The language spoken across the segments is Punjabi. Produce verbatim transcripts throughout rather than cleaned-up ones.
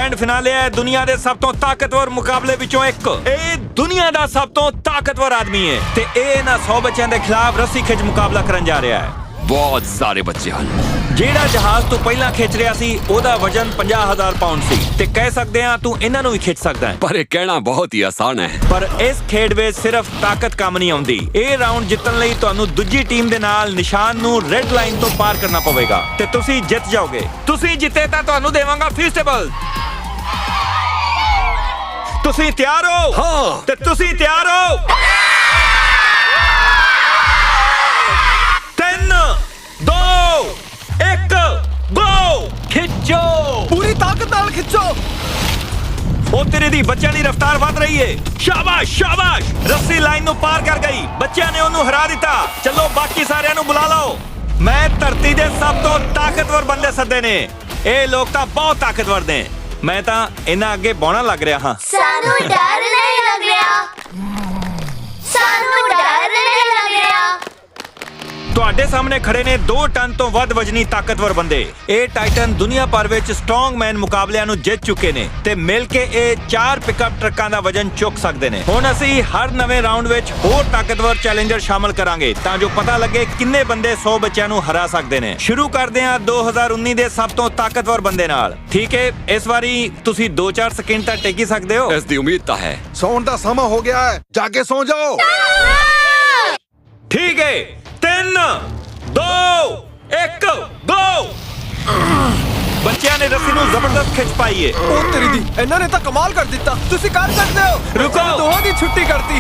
ਗ੍ਰੈਂਡ ਫਿਨਾਲੇ ਹੈ ਦੁਨੀਆ ਦੇ ਸਭ ਤੋਂ ਤਾਕਤਵਰ ਮੁਕਾਬਲੇ ਵਿੱਚੋਂ ਇੱਕ। ਇਹ ਦੁਨੀਆ ਦਾ ਸਭ ਤੋਂ ਤਾਕਤਵਰ ਆਦਮੀ ਹੈ ਤੇ ਇਹ ਇਹਨਾਂ ਸੌ ਬੱਚਿਆਂ ਦੇ ਖਿਲਾਫ ਰੱਸੀ ਖਿੱਚ ਮੁਕਾਬਲਾ ਕਰਨ ਜਾ ਰਿਹਾ ਹੈ। ਬਹੁਤ ਸਾਰੇ ਬੱਚੇ ਹਨ। ਜਿਹੜਾ ਜਹਾਜ਼ ਤੋਂ ਪਹਿਲਾਂ ਖਿੱਚ ਰਿਹਾ ਸੀ ਉਹਦਾ ਵਜ਼ਨ ਪੰਜਾਹ ਹਜ਼ਾਰ ਪਾਉਂਡ ਸੀ ਤੇ ਕਹਿ ਸਕਦੇ ਆ ਤੂੰ ਇਹਨਾਂ ਨੂੰ ਵੀ ਖਿੱਚ ਸਕਦਾ ਹੈ। ਪਰ ਇਹ ਕਹਿਣਾ ਬਹੁਤ ਹੀ ਆਸਾਨ ਹੈ। ਪਰ ਇਸ ਖੇਡ ਵਿੱਚ ਸਿਰਫ ਤਾਕਤ ਕੰਮ ਨਹੀਂ ਆਉਂਦੀ। ਇਹ ਰਾਊਂਡ ਜਿੱਤਣ ਲਈ ਤੁਹਾਨੂੰ ਦੂਜੀ ਟੀਮ ਦੇ ਨਾਲ ਨਿਸ਼ਾਨ ਨੂੰ ਰੈੱਡ ਲਾਈਨ ਤੋਂ ਪਾਰ ਕਰਨਾ ਪਵੇਗਾ ਤੇ ਤੁਸੀਂ ਜਿੱਤ ਜਾਓਗੇ। ਤੁਸੀਂ ਜਿੱਤੇ ਤਾਂ ਤੁਹਾਨੂੰ ਦੇਵਾਂਗਾ ਫੀਸਟੇਬਲ। ਤੁਸੀਂ ਤਿਆਰ ਹੋ? ਹਾਂ। ਤੇ ਤੁਸੀਂ ਤਿਆਰ ਹੋ? ਤਿੰਨ ਦੋ ਇੱਕ ਗੋ। ਖਿੱਚੋ, ਪੂਰੀ ਤਾਕਤ ਨਾਲ ਖਿੱਚੋ। ਉਹ ਤੇਰੇ ਦੀ ਬੱਚਿਆਂ ਦੀ ਰਫ਼ਤਾਰ ਵੱਧ ਰਹੀ ਏ। ਸ਼ਾਬਾਸ਼ ਸ਼ਾਬਾਸ਼, ਰੱਸੀ ਲਾਈਨ ਨੂੰ ਪਾਰ ਕਰ ਗਈ। ਬੱਚਿਆਂ ਨੇ ਉਹਨੂੰ ਹਰਾ ਦਿੱਤਾ। ਚਲੋ ਬਾਕੀ ਸਾਰਿਆਂ ਨੂੰ ਬੁਲਾ ਲਓ। ਮੈਂ ਧਰਤੀ ਦੇ ਸਭ ਤੋਂ ਤਾਕਤਵਰ ਬੰਦੇ ਸੱਦੇ ਨੇ। ਇਹ ਲੋਕ ਤਾਂ ਬਹੁਤ ਤਾਕਤਵਰ ਨੇ। ਮੈਂ ਤਾਂ ਇਹਨਾਂ ਅੱਗੇ ਬੌਣਾ ਲੱਗ ਰਿਹਾ ਹਾਂ। ਸਾਨੂੰ ਡਰ ਨਹੀਂ ਲੱਗ ਰਿਹਾ। ਸਾਨੂੰ ਡਰ ਨਹੀਂ ਲੱਗ ਰਿਹਾ। ਤੁਹਾਡੇ ਸਾਹਮਣੇ ਖੜੇ ਨੇ ਦੋ ਟਨ ਤੋਂ ਵੱਧ ਵਜਨੀ ਤਾਕਤਵਰ ਬੰਦੇ। ਇਹ ਟਾਈਟਨ ਦੁਨੀਆ ਭਰ ਵਿੱਚ ਸਟਰੋਂਗਮੈਨ ਮੁਕਾਬਲਿਆਂ ਨੂੰ ਜਿੱਤ ਚੁੱਕੇ ਨੇ ਤੇ ਮਿਲ ਕੇ ਇਹ ਚਾਰ ਪਿਕਅਪ ਟਰੱਕਾਂ ਦਾ ਵਜਨ ਚੁੱਕ ਸਕਦੇ ਨੇ। ਹੁਣ ਅਸੀਂ ਹਰ ਨਵੇਂ ਰਾਊਂਡ ਵਿੱਚ ਹੋਰ ਤਾਕਤਵਰ ਚੈਲੰਜਰ ਸ਼ਾਮਲ ਕਰਾਂਗੇ ਤਾਂ ਜੋ ਪਤਾ ਲੱਗੇ ਕਿੰਨੇ ਬੰਦੇ ਸੌ ਬੱਚਿਆਂ ਨੂੰ ਹਰਾ ਸਕਦੇ ਨੇ। ਸ਼ੁਰੂ ਕਰਦੇ ਹਾਂ ਦੋ ਹਜ਼ਾਰ ਉੱਨੀ ਦੇ ਸਭ ਤੋਂ ਤਾਕਤਵਰ ਬੰਦੇ ਨਾਲ। ਠੀਕ ਹੈ, ਇਸ ਵਾਰੀ ਤੁਸੀਂ ਦੋ ਚਾਰ ਸਕਿੰਟ ਤਾਂ ਟੇਕ ਹੀ ਸਕਦੇ ਹੋ। ਇਸ ਦੀ ਉਮੀਦ ਤਾਂ ਹੈ। ਸੌਣ ਦਾ ਸਮਾਂ ਹੋ ਗਿਆ ਹੈ, ਜਾ ਕੇ ਸੌ ਜਾਓ। ਠੀਕ ਹੈ, ਤਿੰਨ ਦੋ ਇੱਕ ਗੋ। ਬੱਚਿਆਂ ਨੇ ਰੱਸੀ ਨੂੰ ਜ਼ਬਰਦਸਤ ਖਿੱਚ ਪਾਈ ਏ। ਉਹ ਤੇਰੀ ਦੀ, ਇਹਨਾਂ ਨੇ ਤਾਂ ਕਮਾਲ ਕਰ ਦਿੱਤਾ। ਤੁਸੀਂ ਕਰ ਸਕਦੇ ਹੋ। ਰੁਕੋ। ਦੋਹਾਂ ਦੀ ਛੁੱਟੀ ਕਰਤੀ।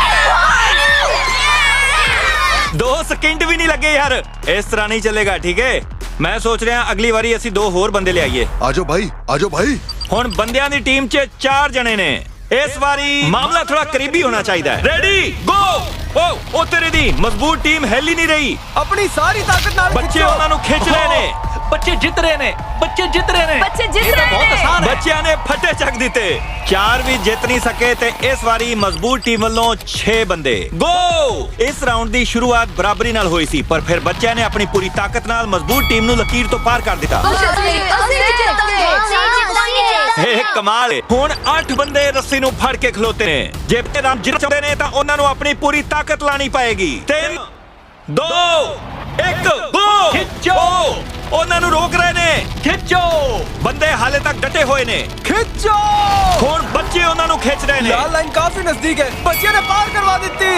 ਦੋ ਸਕਿੰਟ ਵੀ ਨਹੀਂ ਲੱਗੇ ਯਾਰ। ਇਸ ਤਰ੍ਹਾਂ ਨਹੀਂ ਚੱਲੇਗਾ। ਠੀਕ ਹੈ, ਮੈਂ ਸੋਚ ਰਿਹਾ ਅਗਲੀ ਵਾਰੀ ਅਸੀਂ ਦੋ ਹੋਰ ਬੰਦੇ ਲਿਆਈਏ। ਆਜੋ ਭਾਈ, ਆਜੋ ਭਾਈ। ਹੁਣ ਬੰਦਿਆਂ ਦੀ ਟੀਮ 'ਚ ਚਾਰ ਜਣੇ ਨੇ। ਇਸ ਵਾਰੀ ਮਾਮਲਾ ਥੋੜਾ ਕਰੀਬੀ ਹੋਣਾ ਚਾਹੀਦਾ ਹੈ। ਰੈਡੀ ਗੋ। ਓ ਉਹ ਤੇਰੇ ਦੀ ਮਜ਼ਬੂਤ ਟੀਮ ਹਿੱਲ ਹੀ ਨਹੀਂ ਰਹੀ। ਆਪਣੀ ਸਾਰੀ ਤਾਕਤ ਨਾਲ ਬੱਚੇ ਉਹਨਾਂ ਨੂੰ ਖਿੱਚ ਰਹੇ ਨੇ। ਬੱਚੇ ਜਿੱਤ ਰਹੇ ਨੇ। ਬੱਚੇ ਜਿੱਤ ਰਹੇ ਨੇ। ਬੱਚੇ ਜਿੱਤ ਇਹ ਤਾਂ ਰਹੇ ਬਹੁਤ ਨੇ। ਆਸਾਨ ਹੈ। ਬੱਚਿਆਂ ਨੇ ਫੱਟੇ ਚੱਕ ਦਿੱਤੇ। ਚਾਰ ਵੀ ਜਿੱਤ ਨਹੀਂ ਸਕੇ ਤੇ ਇਸ ਵਾਰੀ ਮਜ਼ਬੂਤ ਟੀਮ ਵੱਲੋਂ ਛੇ ਬੰਦੇ। ਗੋ। ਇਸ ਰਾਊਂਡ ਦੀ ਸ਼ੁਰੂਆਤ ਬਰਾਬਰੀ ਨਾਲ ਹੋਈ ਸੀ ਪਰ ਫਿਰ ਬੱਚਿਆਂ ਨੇ ਆਪਣੀ ਪੂਰੀ ਤਾਕਤ ਨਾਲ ਮਜ਼ਬੂਤ ਟੀਮ ਨੂੰ ਲਕੀਰ ਤੋਂ ਪਾਰ ਕਰ ਦਿੱਤਾ। ਅਸੀਂ ਜਿੱਤਾਂਗੇ। ਇਹ ਕਮਾਲ ਹੈ। ਹੁਣ ਅੱਠ ਬੰਦੇ ਰੱਸੀ ਨੂੰ ਫੜ ਕੇ ਖਲੋਤੇ ਨੇ। ਜੇ ਰਾਮ ਜਿੱਤ ਚਾਹੁੰਦੇ ਨੇ ਤਾਂ ਉਹਨਾਂ ਨੂੰ ਆਪਣੀ ਪੂਰੀ ਤਾਕਤ ਲਾਣੀ ਪਏਗੀ। ਤਿੰਨ ਦੋ ਇੱਕ ਗੋ। ਖਿੱਚੋ। ਉਹਨਾਂ ਨੂੰ ਰੋਕ ਰਹੇ ਨੇ। ਖਿੱਚੋ। ਬੰਦੇ ਹਾਲੇ ਤੱਕ ਡਟੇ ਹੋਏ ਨੇ। ਖਿੱਚੋ। ਹੁਣ ਬੱਚੇ ਉਹਨਾਂ ਨੂੰ ਖਿੱਚ ਰਹੇ ਨੇ। ਲਾਲ ਲਾਈਨ ਕਾਫੀ ਨਜ਼ਦੀਕ ਹੈ। ਬੱਚਿਆਂ ਨੇ ਪਾਰ ਕਰਵਾ ਦਿੱਤੀ।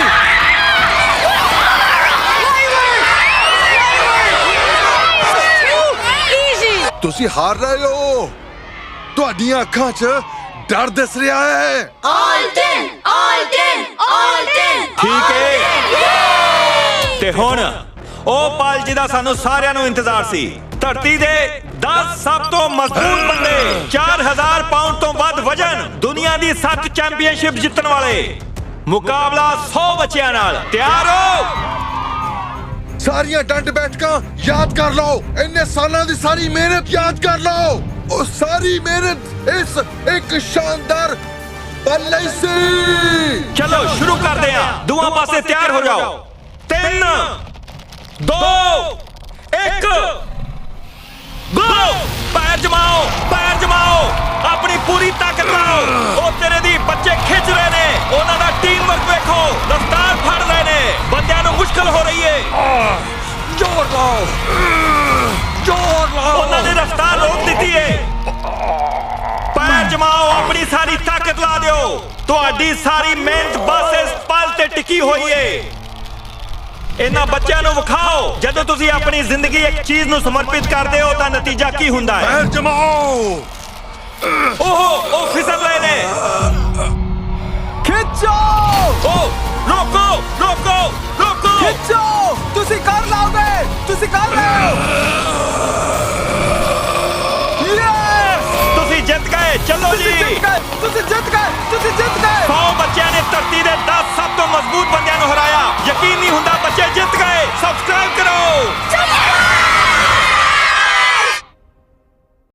ਤੁਸੀਂ ਹਾਰ ਰਹੇ ਹੋ। ਤੁਹਾਡੀਆਂ ਅੱਖਾਂ 'ਚ ਡਰ ਦਿਸ ਰਿਹਾ ਹੈ। ਆਲਟਨ ਆਲਟਨ ਆਲਟਨ। ਠੀਕ ਹੈ, ਤੇ ਹੁਣ ਉਹ ਪਲ ਜਿਹਦਾ ਸਾਨੂੰ ਸਾਰਿਆਂ ਨੂੰ ਇੰਤਜ਼ਾਰ ਸੀ। ਧਰਤੀ ਦੇ ਦਸ ਸਭ ਤੋਂ ਮਜ਼ਬੂਤ ਬੰਦੇ, ਚਾਰ ਹਜ਼ਾਰ ਪਾਉਂਡ ਤੋਂ ਵੱਧ ਵਜਨ, ਦੁਨੀਆ ਦੀ ਸੱਤ ਚੈਂਪੀਅਨਸ਼ਿਪ ਜਿੱਤਣ ਵਾਲੇ। ਮੁਕਾਬਲਾ ਸੌ ਬੱਚਿਆਂ ਨਾਲ। ਤਿਆਰ ਹੋ? ਸਾਰੀਆਂ ਡੰਡ ਬੈਠਕਾਂ ਯਾਦ ਕਰ ਲਓ। ਇੰਨੇ ਸਾਲਾਂ ਦੀ ਸਾਰੀ ਮਿਹਨਤ ਯਾਦ ਕਰ ਲਓ। ਉਹ ਸਾਰੀ ਮਿਹਨਤ ਇਸ ਇੱਕ ਸ਼ਾਨਦਾਰ ਪਲ ਲਈ ਸੀ। ਚਲੋ ਸ਼ੁਰੂ ਕਰਦੇ ਹਾਂ। ਦੋਵਾਂ ਪਾਸੇ ਤਿਆਰ ਹੋ ਜਾਓ। ਤਿੰਨ ਦੋ ਇੱਕ ਗੋ। ਪੈਰ ਜਮਾਓ, ਪੈਰ ਜਮਾਓ, ਆਪਣੀ ਪੂਰੀ ਤਾਕਤ ਲਾਓ। ਉਹ ਤੇਰੇ ਦੀ ਬੱਚੇ ਖਿੱਚ ਰਹੇ ਨੇ। ਉਹਨਾਂ ਦਾ ਟੀਮ ਵਰਕ ਵੇਖੋ। ਰਫ਼ਤਾਰ ਫੜ ਰਹੇ ਨੇ। ਬੰਦਿਆਂ ਨੂੰ ਮੁਸ਼ਕਲ ਹੋ ਰਹੀ ਏ। ਜ਼ੋਰ ਲਾਓ, ਜ਼ੋਰ ਲਾਓ। ਉਹਨਾਂ ਨੇ ਰਫ਼ਤਾਰ ਰੋਕ ਦਿੱਤੀ ਏ। ਪੈਰ ਜਮਾਓ, ਆਪਣੀ ਸਾਰੀ ਤਾਕਤ ਲਾ ਦਿਓ। ਤੁਹਾਡੀ ਸਾਰੀ ਮਿਹਨਤ ਬਸ ਇਸ ਪਲ ਤੇ ਟਿਕੀ ਹੋਈ ਏ। ਇਹਨਾਂ ਬੱਚਿਆਂ ਨੂੰ ਵਿਖਾਓ ਜਦੋਂ ਤੁਸੀਂ ਆਪਣੀ ਜ਼ਿੰਦਗੀ ਇੱਕ ਚੀਜ਼ ਨੂੰ ਸਮਰਪਿਤ ਕਰਦੇ ਹੋ ਤਾਂ ਨਤੀਜਾ ਕੀ ਹੁੰਦਾ ਹੈ। ਪੈਰ ਜਮਾਓ। ਓਹ ਉਹ ਫਿਸਲ ਰਹੇ ਨੇ। ਖਿੱਚੋ। ਓ ਰੋਕੋ ਰੋਕੋ ਰੋਕੋ। ਖਿੱਚੋ। ਤੁਸੀਂ ਕਰ ਲਾਓਗੇ। ਤੁਸੀਂ ਕਰ ਲਓ। ਯੈਸ। ਤੁਸੀਂ ਜਿੱਤ ਗਏ। ਚਲੋ ਤੁਸੀਂ ਜੀ। ਜਿੱਤ ਗਏ। ਤੁਸੀਂ ਜਿੱਤ ਗਏ। ਤੁਸੀਂ ਜਿੱਤ ਗਏ। ਸੌ ਬੱਚਿਆਂ ਨੇ ਧਰਤੀ ਦੇ ਦਸ ਸਭ ਤੋਂ ਮਜ਼ਬੂਤ ਬੰਦਿਆਂ ਨੂੰ ਹਰਾਇਆ। ਯਕੀਨ ਨਹੀਂ ਹੁੰਦਾ ਬੱਚੇ ਜਿੱਤ ਗਏ। ਸਬਸਕ੍ਰਾਈਬ ਕਰੋ।